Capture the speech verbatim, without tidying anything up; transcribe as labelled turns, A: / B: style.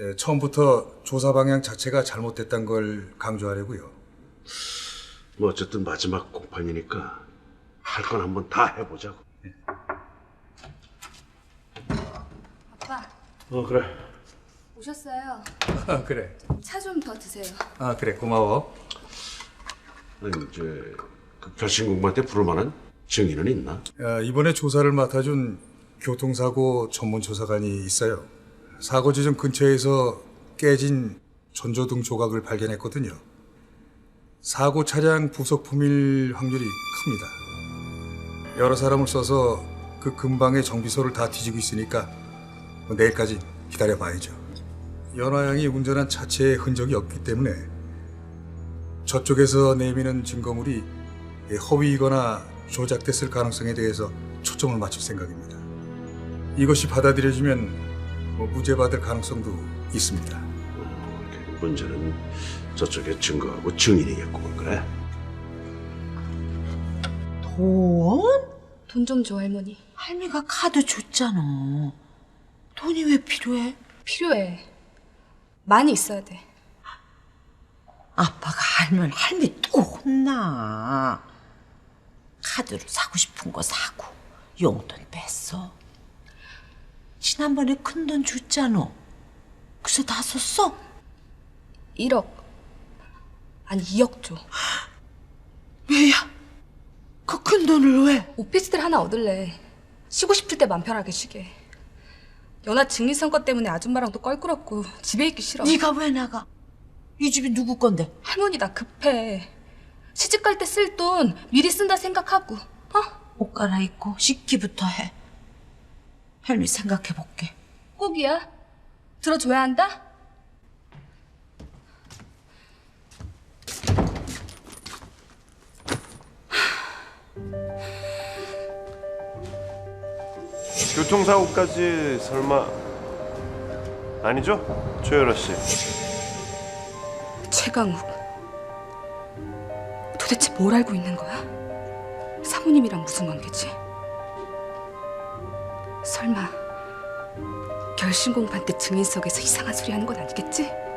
A: 예, 처음부터 조사 방향 자체가 잘못됐다는 걸 강조하려고요.
B: 뭐 어쨌든 마지막 공판이니까 할 건 한번 다 해보자고.
C: 아빠,
B: 어 그래.
C: 오셨어요.
A: 아, 그래.
C: 차 좀 더 드세요.
A: 아, 그래. 고마워.
B: 아니 이제 그 결심 공판 때 부를 만한 증인은 있나?
A: 야, 이번에 조사를 맡아준 교통사고 전문조사관이 있어요. 사고 지점 근처에서 깨진 전조등 조각을 발견했거든요. 사고 차량 부속품일 확률이 큽니다. 여러 사람을 써서 그 근방의 정비소를 다 뒤지고 있으니까 뭐 내일까지 기다려봐야죠. 연화양이 운전한 차체에 흔적이 없기 때문에 저쪽에서 내미는 증거물이 허위이거나 조작됐을 가능성에 대해서 초점을 맞출 생각입니다. 이것이 받아들여지면 뭐 무죄받을 가능성도 있습니다.
B: 어, 문제는 저쪽에 증거하고 증인이겠구만. 그래?
D: 돈?
C: 돈 좀 줘, 할머니.
D: 할미가 카드 줬잖아. 돈이 왜 필요해?
C: 필요해. 많이 있어야 돼.
D: 아빠가 알면 할미 또 혼나. 카드로 사고 싶은 거 사고 용돈 뺐어. 지난번에 큰 돈 줬잖아. 그래서 다 썼어?
C: 일억. 아니, 이억 줘.
D: 왜야? 그 큰 돈을 왜?
C: 오피스텔 하나 얻을래. 쉬고 싶을 때 맘 편하게 쉬게. 연하 증리선거 때문에 아줌마랑도 껄끄럽고 집에 있기 싫어.
D: 네가 왜 나가? 이 집이 누구 건데?
C: 할머니 나 급해. 시집 갈 때 쓸 돈 미리 쓴다 생각하고. 어?
D: 옷 갈아입고 씻기부터 해. 할미 생각해볼게.
C: 꼭이야. 들어줘야 한다?
E: 교통사고까지 설마 아니죠? 조여라 씨.
C: 최강욱. 도대체 뭘 알고 있는 거야? 사모님이랑 무슨 관계지? 설마 결심공판 때 증인석에서 이상한 소리 하는 건 아니겠지?